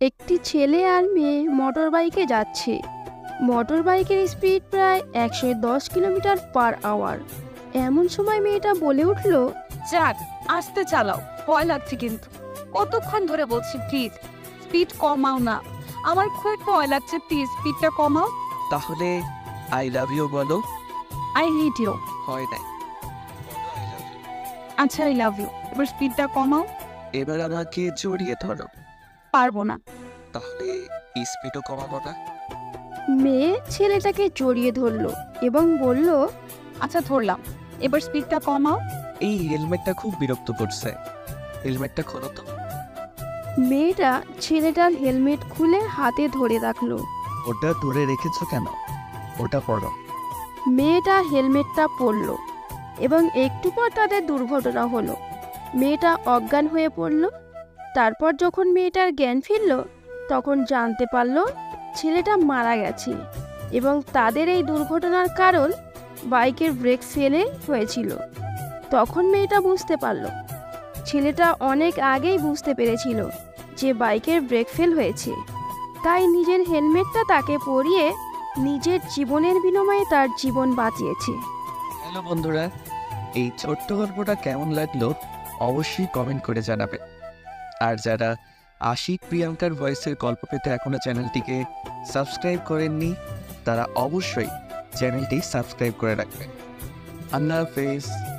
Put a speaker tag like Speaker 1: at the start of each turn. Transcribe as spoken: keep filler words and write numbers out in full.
Speaker 1: একটি ছেলে আর মেয়ে মোটর বাইকে যাচ্ছে। মোটর বাইকের স্পিড প্রায় একশো দশ কিলোমিটার পার আওয়ার। এমন সময় মেয়েটা বলে উঠল,
Speaker 2: যাক, আস্তে চালাও, ভয় লাগছে কিন্তু। কতক্ষণ ধরে বলছি প্লিজ স্পিড কমাও না, আমার খুব ভয় লাগছে, প্লিজ স্পিডটা কমাও।
Speaker 3: তাহলে আই লাভ ইউ বলো।
Speaker 2: I hate you.
Speaker 3: হয় নাই।
Speaker 2: আচ্ছা, আই লাভ ইউ, এবার স্পিডটা কমাও।
Speaker 3: এবার আমাকে জড়িয়ে ধরো।
Speaker 2: পারবো না।
Speaker 3: তাহলে স্পিডও কমাবো না।
Speaker 1: মেয়ে ছেলেটাকে জড়িয়ে ধরল এবং বলল,
Speaker 2: আচ্ছা ধরলাম, এবার স্পিডটা কমাও।
Speaker 3: এই হেলমেটটা খুব বিরক্ত করছে, হেলমেটটা খোলো তো।
Speaker 1: মেয়েটা ছেলেটার হেলমেট খুলে হাতে ধরে রাখলো।
Speaker 3: ওটা ধরে রেখেছো কেন? ওটা পড়ো।
Speaker 1: মেয়েটা হেলমেটটা পরল এবং একটু পর তাদের দুর্ঘটনা হলো। মেয়েটা অজ্ঞান হয়ে পড়ল। তারপর যখন মেয়েটার জ্ঞান ফিরল, তখন জানতে পারল ছেলেটা মারা গেছে এবং তাদের এই দুর্ঘটনার কারণ বাইকের ব্রেক ফেলে হয়েছিল। তখন মেয়েটা বুঝতে পারল ছেলেটা অনেক আগেই বুঝতে পেরেছিল যে বাইকের ব্রেক ফেল হয়েছে, তাই নিজের হেলমেটটা তাকে পরিয়ে নিজের জীবনের বিনিময়ে তার জীবন বাঁচিয়েছে।
Speaker 3: হ্যালো বন্ধুরা, এই ছোট্ট গল্পটা কেমন লাগলো অবশ্যই কমেন্ট করে জানাবে। আর যারা আশিক প্রিয়াঙ্কার ভয়েসের গল্প পেতে এখনো চ্যানেলটিকে সাবস্ক্রাইব করেননি, তারা অবশ্যই চ্যানেলটি সাবস্ক্রাইব করে রাখবেন। আল্লাহ হাফেজ।